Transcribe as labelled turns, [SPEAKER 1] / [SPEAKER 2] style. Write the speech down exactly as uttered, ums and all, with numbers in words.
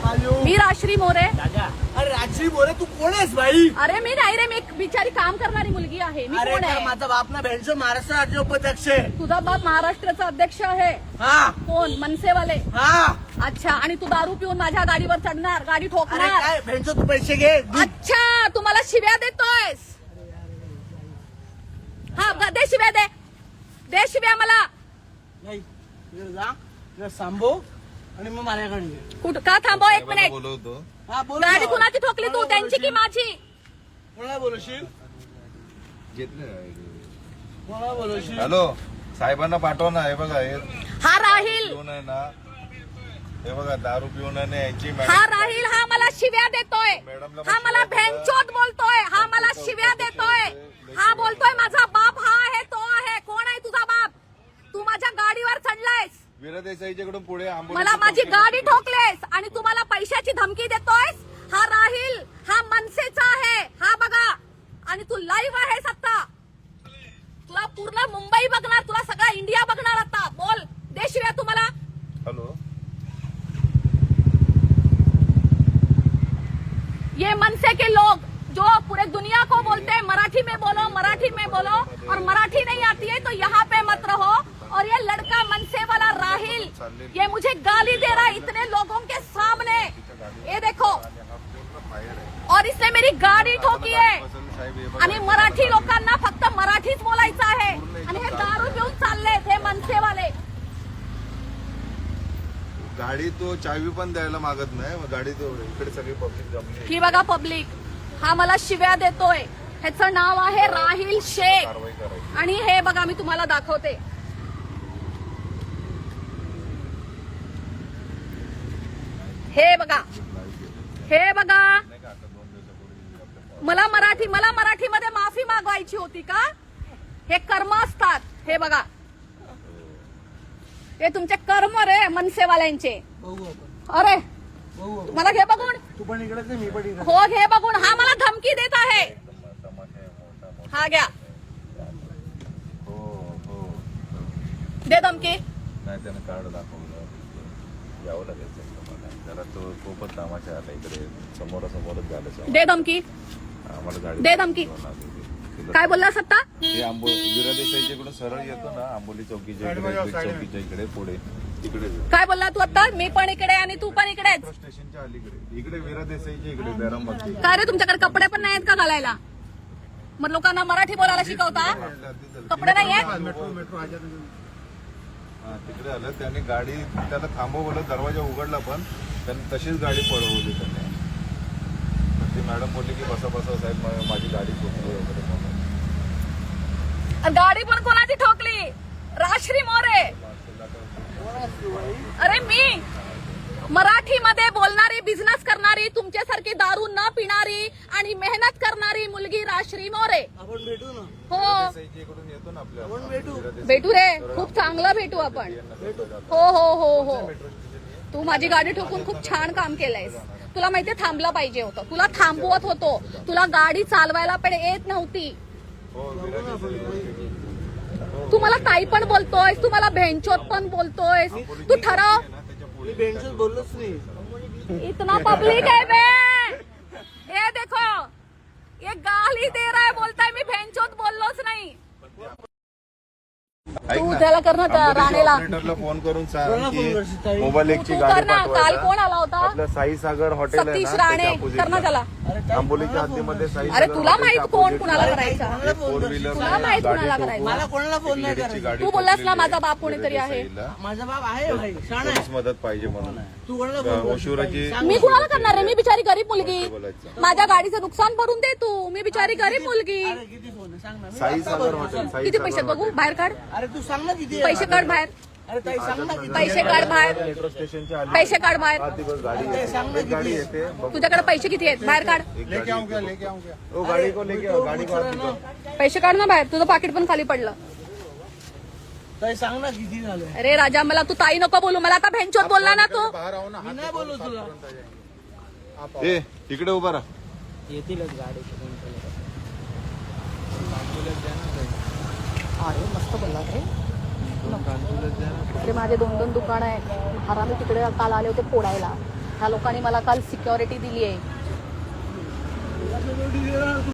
[SPEAKER 1] मी राश्री मोरे.
[SPEAKER 2] अरे राजश्री मोरे तू कोण आहेस भाई?
[SPEAKER 1] अरे मी नाही रे, मी एक बिचारी काम करणारी मुलगी आहे. मी कोण आहे?
[SPEAKER 2] माझा बाप ना भेंडचो महाराष्ट्र राज्य उपाध्यक्ष आहे.
[SPEAKER 1] तुझा बाप महाराष्ट्राचा अध्यक्ष आहे.
[SPEAKER 2] हा
[SPEAKER 1] कोण? मनसेवाले.
[SPEAKER 2] हा.
[SPEAKER 1] अच्छा, आणि तू दारू पिऊन माझ्या गाडीवर चढणार, गाडी
[SPEAKER 2] अरे
[SPEAKER 1] ठोकणार.
[SPEAKER 2] काय भेंडचो तू पैसे घे.
[SPEAKER 1] अच्छा, तू मला शिव्या देतोयस. हा दे शिव्या, दे दे शिव्या मला.
[SPEAKER 2] नाही तिकडे जा, तिकडे सांभो आणि मग माझ्याकडे ये.
[SPEAKER 1] कुठं का थांबव एक मिनिट.
[SPEAKER 3] बोलवतो.
[SPEAKER 2] हा बोल.
[SPEAKER 1] गाडी कुणाची ठोकली तू, त्यांची की माझी?
[SPEAKER 2] कोणाला बोलवशील? कोणाला बोलवशील?
[SPEAKER 3] हॅलो, साहेबांना पाठव ना. हे बघा, हे
[SPEAKER 1] हा राहील,
[SPEAKER 3] पिऊन आहे ना, हे बघा दारू पिऊन आहे ना यांची
[SPEAKER 1] हा
[SPEAKER 3] मॅडम.
[SPEAKER 1] राहील. हा मला शिव्या देतोय. हा मला भेंचोद बोलतोय. हा मला शिव्या देतोय. हा बोलतोय माझा बाप हा आहे, तो आहे. कोण आहे तुझा बाप? तू माझ्या गाडीवर चढलायस,
[SPEAKER 3] वीरा देसाईच्याकडून पुढे आंबोली
[SPEAKER 1] मला माझी गाडी ठोकलेस आणि तू मला पैशाची धमकी देतोयस. हा राहील, हा मनसेचा आहे. हा बघा, आणि तू लाईव्ह आहेस आता. तुला पूर्ण मुंबई बघणार, तुला सगळा इंडिया बघणार आता. बोल, दे शिव्या तू मला.
[SPEAKER 3] हॅलो,
[SPEAKER 1] ये मनसे के लोग जो पूरे दुनिया को बोलते हैं मराठी में बोलो, मराठी में बोलो, और मराठी नहीं आती है तो यहाँ पे मत रहो. और ये लड़का मनसे वाला राहिल, ये मुझे गाली दे रहा है इतने लोगों के सामने. ये देखो, और इसने मेरी गाडी ठोकी आहे. आणि मराठी लोकांना फक्त मराठीच बोलायचं आहे. आणि हे दारू घेऊन चाललेत हे मनसेवाले.
[SPEAKER 3] गाडी तो चावी पण द्यायला मागत नाही. मग गाडी तो इकडे सगळी पब्लिक जमली.
[SPEAKER 1] ही बघा पब्लिक, हा मला शिव्या देतोय. ह्याचं नाव आहे राहिल शेख.
[SPEAKER 3] कारवाई करायची.
[SPEAKER 1] आणि हे बघा, मी तुम्हाला दाखवते. हे बघा, हे बघा. मला मराठी मला मराठीमध्ये माफी मागवायची होती का? हे कर्म असतात. हे बघा, हे तुमचे कर्म रे मनसेवाल्यांचे.
[SPEAKER 2] बघू आपण.
[SPEAKER 1] अरे
[SPEAKER 2] बघू आपण.
[SPEAKER 1] मला घे बघून.
[SPEAKER 2] तू पण इकडेच आहे, मी पण इकडे.
[SPEAKER 1] हो घे बघून. हा मला धमकी देत आहे. हा घ्या,
[SPEAKER 3] हो हो.
[SPEAKER 1] दे धमकी.
[SPEAKER 3] नाही त्यानं कार्ड दाखवलं, यावं लागेल मला. जरा तो खूपच कामाच्या आला इकडे, समोरासमोरच झालं.
[SPEAKER 1] दे धमकी,
[SPEAKER 3] आम्हाला गाडी
[SPEAKER 1] दे धमकी. काय बोलला सत्ता?
[SPEAKER 3] ते आंबोली वीरा देसाईच्याकडून सरळ येतो ना, आंबोली चौकीच्या इकडे, बीड चौकीच्या इकडे पुढे तिकडे.
[SPEAKER 1] काय बोलला तू आता? मी पण इकडे आणि तू पण इकडेच.
[SPEAKER 3] मेट्रो स्टेशनच्या अलीकडे इकडे वीरा देसाईच्या इकडे बॅरामती.
[SPEAKER 1] काय रे, तुमच्याकडे कपडे पण नाहीत का घालायला? मग लोकांना मराठी बोलायला शिकवता? कपडे नाही आहेत?
[SPEAKER 2] मेट्रो मेट्रो
[SPEAKER 3] हा, तिकडे आलं. त्याने गाडी त्याला थांबवलं, दरवाजा उघडला पण त्यांनी तशीच गाडी पळवली त्याने. ती मॅडम बोलली की बसा बसा साहेब, माझी गाडी ठोकली वगैरे म्हणून.
[SPEAKER 1] गाडी पण कोणाची ठोकली? राश्री मोरे. अरे मी मराठीमध्ये बोलणारी, बिझनेस करणारी, तुमच्यासारखी दारू न पिणारी आणि मेहनत करणारी मुलगी राश्री मोरे.
[SPEAKER 2] आपण भेटू ना.
[SPEAKER 1] हो
[SPEAKER 3] इकडून येतो ना आपल्या,
[SPEAKER 2] आपण भेटू.
[SPEAKER 1] भेटू रे, खूप चांगलं भेटू आपण. हो हो हो हो. तू माझी गाडी ठोकून खूप छान काम केलंयस. तुला माहितीये थांबलं पाहिजे होतं. तुला थांबवत होतो. तुला गाडी चालवायला पण येत नव्हती. तू मला ताई पण बोलतोयस, तू मला भेंचोत पण बोलतोयस. तू ठरव.
[SPEAKER 2] मी भेंडचोच बोललोच नाही.
[SPEAKER 1] इतना पब्लिक है बे. ये देखो, ये गाली दे रहा है, बोलता है मी भेंचोत बोललोच नाही. तू त्याला कर ना, त्या राणेला
[SPEAKER 3] ऑपरेटरला फोन करून सांग
[SPEAKER 2] कोणाला फोन
[SPEAKER 3] की
[SPEAKER 2] करशील ताई?
[SPEAKER 3] मोबाईल एकची
[SPEAKER 1] तू
[SPEAKER 3] गाडी
[SPEAKER 1] कर ना. काल
[SPEAKER 3] पाठवायला.
[SPEAKER 1] कोण आला होता?
[SPEAKER 3] आपलं साई सागर हॉटेल आहे
[SPEAKER 1] सतीश
[SPEAKER 3] ना,
[SPEAKER 1] राणे.
[SPEAKER 3] त्याच्या
[SPEAKER 1] कर
[SPEAKER 3] opposite
[SPEAKER 1] ना
[SPEAKER 3] ला.
[SPEAKER 1] त्याला.
[SPEAKER 3] आंबोलीच्या हद्दीमध्ये साई
[SPEAKER 1] अरे
[SPEAKER 3] सागर
[SPEAKER 1] तुला
[SPEAKER 3] हॉटेलच्या
[SPEAKER 1] माहित कोण
[SPEAKER 3] opposite
[SPEAKER 1] कुणाला
[SPEAKER 3] ला
[SPEAKER 1] करायचा?
[SPEAKER 2] कोणाला फोन
[SPEAKER 3] फोर
[SPEAKER 2] करशील?
[SPEAKER 3] व्हीलर
[SPEAKER 1] तुला माहित कुणाला करायचं?
[SPEAKER 2] मला कोणाला फोन नाही
[SPEAKER 3] लेडीची
[SPEAKER 2] करायचा.
[SPEAKER 3] गाडी
[SPEAKER 1] तू बोललास ना
[SPEAKER 3] ठोकलेली
[SPEAKER 1] माझा
[SPEAKER 3] आहे
[SPEAKER 1] बाप कोणीतरी आहे.
[SPEAKER 3] देसाईला.
[SPEAKER 2] माझा बाप आहे भाई, शाण आहे.
[SPEAKER 3] पोलीस मदत पाहिजे म्हणून.
[SPEAKER 2] तू कोणाला फोन करशील?
[SPEAKER 3] ओशिवराची
[SPEAKER 1] मी कुणाला करणार आहे? मी बिचारी गरीब मुलगी.
[SPEAKER 3] बोलायचं.
[SPEAKER 1] माझ्या गाडीचं नुकसान भरून दे तू. मी बिचारी गरीब मुलगी.
[SPEAKER 2] अरे किती फोन आहे सांग ना. मी
[SPEAKER 3] साई
[SPEAKER 2] आता
[SPEAKER 3] सागर
[SPEAKER 2] बोलतो.
[SPEAKER 3] हॉटेल, साई
[SPEAKER 1] किती
[SPEAKER 3] सागर
[SPEAKER 1] पैसे बघू?
[SPEAKER 3] हॉटेल.
[SPEAKER 1] बाहेर काढ.
[SPEAKER 2] अरे तू सांग ना किती आहे?
[SPEAKER 1] पैसे काढ बाहेर.
[SPEAKER 2] अरे ताई सांग ना किती
[SPEAKER 1] पैसे
[SPEAKER 2] आहे?
[SPEAKER 1] काढ बाहेर.
[SPEAKER 3] मेट्रो स्टेशनच्या आली.
[SPEAKER 1] पैसे काढ बाहेर.
[SPEAKER 3] हा, ती बस गाडी येते. एक गाडी येते. बघ,
[SPEAKER 1] तुझ्याकडे पैसे किती आहेत? बाहेर काढ.
[SPEAKER 3] एक गाडी येते. ओ, गाडी को लेके आओ, गाडी को आत निकाल.
[SPEAKER 1] पैसे काढ ना बाहेर. तुझं पाकिट पण खाली पडलं.
[SPEAKER 2] ताई सांग ना किती झालं.
[SPEAKER 1] अरे राजा, मला तू ताई नको बोलू. मला आता भेंचोत बोलला ना तू.
[SPEAKER 2] मी नाही बोलू तुला.
[SPEAKER 3] ए इकडे उभा राहा.
[SPEAKER 2] येतीलच गाडी.
[SPEAKER 1] अरे मस्त बोलला रे. अरे माझे दोन दोन दुकान आहेत. हरामी तिकडे काल आले होते फोडायला. ह्या लोकांनी मला काल सिक्युरिटी दिली आहे.
[SPEAKER 2] तुला security देणार